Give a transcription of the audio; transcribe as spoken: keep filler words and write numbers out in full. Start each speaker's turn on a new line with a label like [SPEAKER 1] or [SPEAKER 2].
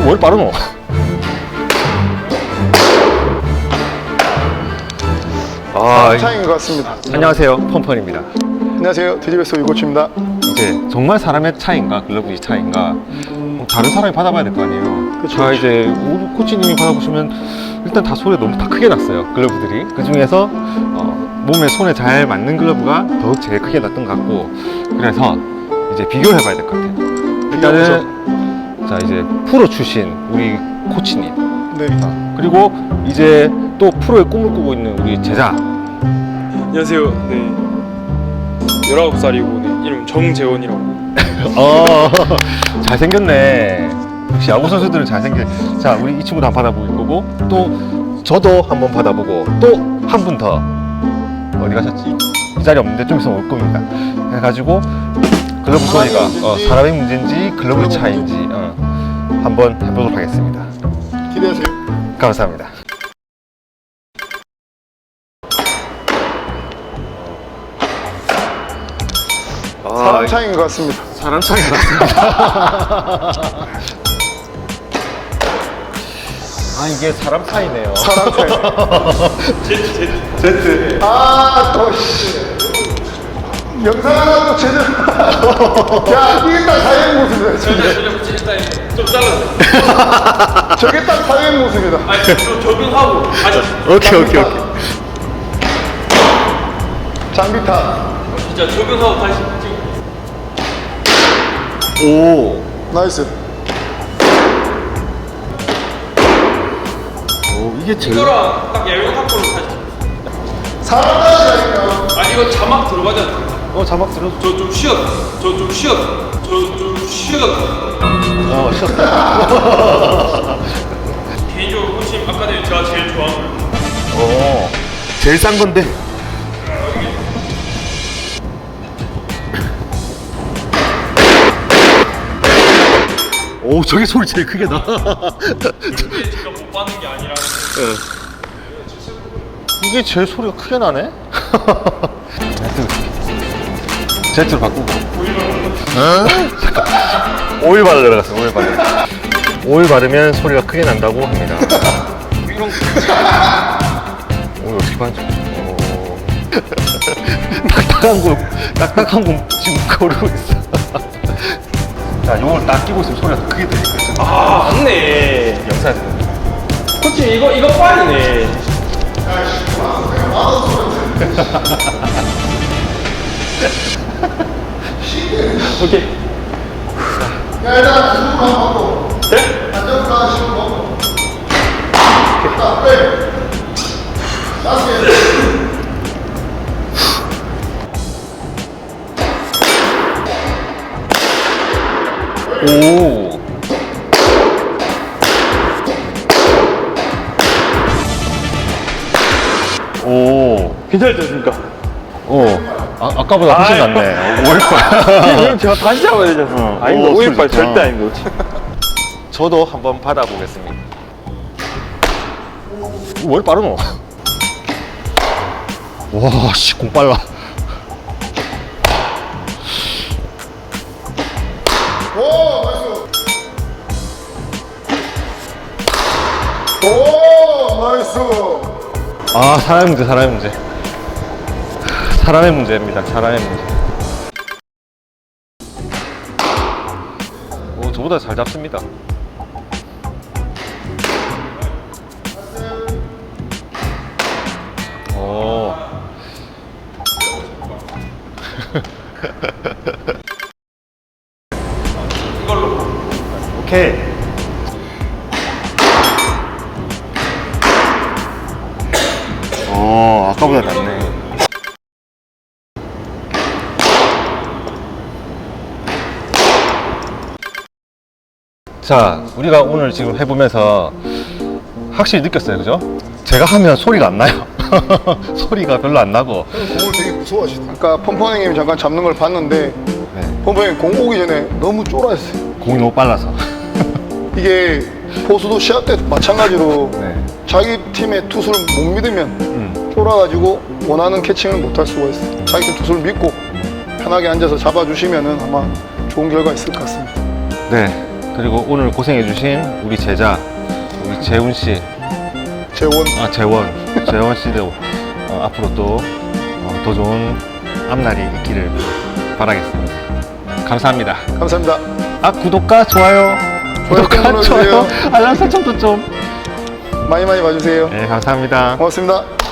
[SPEAKER 1] 뭘 빠르노?
[SPEAKER 2] 아, 차이인 것 같습니다.
[SPEAKER 1] 안녕하세요, 펀펀입니다.
[SPEAKER 2] 안녕하세요, 디지베스 유코치입니다.
[SPEAKER 1] 이제 정말 사람의 차이인가 글러브의 차이인가 뭐 다른 사람이 받아봐야 될 거 아니에요.
[SPEAKER 2] 그쵸,
[SPEAKER 1] 자,
[SPEAKER 2] 그쵸.
[SPEAKER 1] 이제 우리 코치님이 받아보시면 일단 다 소리가 너무 다 크게 났어요, 글러브들이. 그 중에서 어, 몸에 손에 잘 맞는 글러브가 더욱 제일 크게 났던 것 같고, 그래서 이제 비교를 해봐야 될 것 같아요. 일단은 자, 이제 프로 출신 우리 코치님,
[SPEAKER 2] 네.
[SPEAKER 1] 그리고 이제 또 프로의 꿈을 꾸고 있는 우리 제자.
[SPEAKER 3] 안녕하세요. 네. 열아홉 살이고 네. 이름 정재원이라고.
[SPEAKER 1] 어, 잘생겼네. 역시 야구 선수들은 잘생겨. 자, 우리 이 친구도 한번 받아볼 거고, 또 저도 한번 받아보고, 또 한 분 더. 어디 가셨지? 이 자리 없는데 좀 있으면 올 겁니다. 해가지고 글러브 소리가 어, 사람의 문제인지 글러브의 차이인지 어, 한번 해보도록 하겠습니다.
[SPEAKER 2] 기대하세요.
[SPEAKER 1] 감사합니다.
[SPEAKER 2] 사람 차이인 것 같습니다.
[SPEAKER 1] 사람 차이가 났습니다. 아, 이게 사람 차이네요.
[SPEAKER 2] 사람 차이.
[SPEAKER 3] 제트 제트.
[SPEAKER 1] 제트.
[SPEAKER 2] 아, 또, 씨. 영상 하나 또 제대로. 야, 이게 딱 사회의 모습이다. 진짜.
[SPEAKER 3] 일단 좀 잘랐네.
[SPEAKER 2] 저게 딱 사회의 모습이다.
[SPEAKER 3] 아니 좀 적응하고 다시.
[SPEAKER 1] 오케이, 오케이, 오케이.
[SPEAKER 2] 장비 타.
[SPEAKER 3] 진짜 적응하고 다시 찍어.
[SPEAKER 1] 오.
[SPEAKER 2] 나이스.
[SPEAKER 1] 오, 이게 제일.
[SPEAKER 3] 이거랑 딱 얇은 탑으로 다시.
[SPEAKER 2] 사람 차이니까.
[SPEAKER 3] 아니 이거 자막 들어가지 않나?
[SPEAKER 1] 어, 자막 들어.
[SPEAKER 3] 저좀 쉬었어. 저좀 쉬었어. 저좀 쉬었어.
[SPEAKER 1] 어, 쉬었다.
[SPEAKER 3] 개인적으로 코치님 아카데미 제가 제일 좋아하는 거.
[SPEAKER 1] 어, 제일 싼 건데. 오, 저게 소리 제일 크게 나.
[SPEAKER 3] 절대 제가 못 받는 게 아니라.
[SPEAKER 1] 이게 제일 소리가 크게 나네? 제트. 제트로 바꾸고. 오일 바르러 들어갔어, 오일 바르. 오일 바르면 소리가 크게 난다고 합니다.
[SPEAKER 3] 이런 거.
[SPEAKER 1] 오일 어떻게 바르죠? 오. 딱딱한 거, 딱딱한 거 지금 거르고 있어. 자, 요걸 딱 끼고 있으면 소리가 더 크게 들리거든.
[SPEAKER 3] 아 맞네.
[SPEAKER 1] 영상.
[SPEAKER 3] 코치 이거 이거 빨이네. 오케이.
[SPEAKER 2] 야, 일단 안전으로 한번 먹고.
[SPEAKER 3] 네?
[SPEAKER 2] 안전으로 하시고 먹고. 자, 그래. 다섯 개.
[SPEAKER 1] 오. 오.
[SPEAKER 3] 괜찮지 않습니까?
[SPEAKER 1] 오. 아, 아까보다 훨씬
[SPEAKER 3] 아이.
[SPEAKER 1] 낫네. 오일빨.
[SPEAKER 3] 그럼 제가 다시 잡아야 되잖아.
[SPEAKER 1] 어.
[SPEAKER 3] 아닙니다.
[SPEAKER 1] 오,
[SPEAKER 3] 오일빨
[SPEAKER 1] 소리 좋다.
[SPEAKER 3] 절대 아닙니다.
[SPEAKER 1] 저도 한번 받아보겠습니다. 뭘 빠르노? 와, 씨, 공 빨라.
[SPEAKER 2] 오, 나이스. 오, 나이스.
[SPEAKER 1] 아, 사람의 문제, 사람의 문제. 사람의 문제입니다, 사람의 문제. 오, 저보다 잘 잡습니다. 오.
[SPEAKER 3] 이걸로.
[SPEAKER 1] 오케이. 어, 아까보다 낫네. 자, 우리가 오늘 지금 해보면서 확실히 느꼈어요, 그죠? 제가 하면 소리가 안 나요. 소리가 별로 안 나고.
[SPEAKER 2] 공을 되게 무서워하시다. 아까 펌퍼님이 잠깐 잡는 걸 봤는데
[SPEAKER 1] 네,
[SPEAKER 2] 펌퍼님 공 오기 전에 너무 쫄아했어요.
[SPEAKER 1] 공이 너무 빨라서.
[SPEAKER 2] 이게 포수도 시합 때 마찬가지로
[SPEAKER 1] 네.
[SPEAKER 2] 자기 팀의 투수를 못 믿으면
[SPEAKER 1] 음.
[SPEAKER 2] 쫄아가지고 원하는 캐칭을 못 할 수가 있어요. 자기 팀 투수를 믿고 편하게 앉아서 잡아주시면은 아마 좋은 결과 있을 것 같습니다.
[SPEAKER 1] 네. 그리고 오늘 고생해주신 우리 제자 우리 재훈 씨,
[SPEAKER 2] 재원.
[SPEAKER 1] 아 재원, 재원 씨도 어, 앞으로 또 더 좋은 앞날이 있기를 바라겠습니다. 감사합니다.
[SPEAKER 2] 감사합니다.
[SPEAKER 1] 아 구독과 좋아요, 구독과
[SPEAKER 2] 눌러주세요.
[SPEAKER 1] 좋아요, 알람 설정도 좀.
[SPEAKER 2] 많이 많이 봐주세요.
[SPEAKER 1] 네 감사합니다.
[SPEAKER 2] 고맙습니다.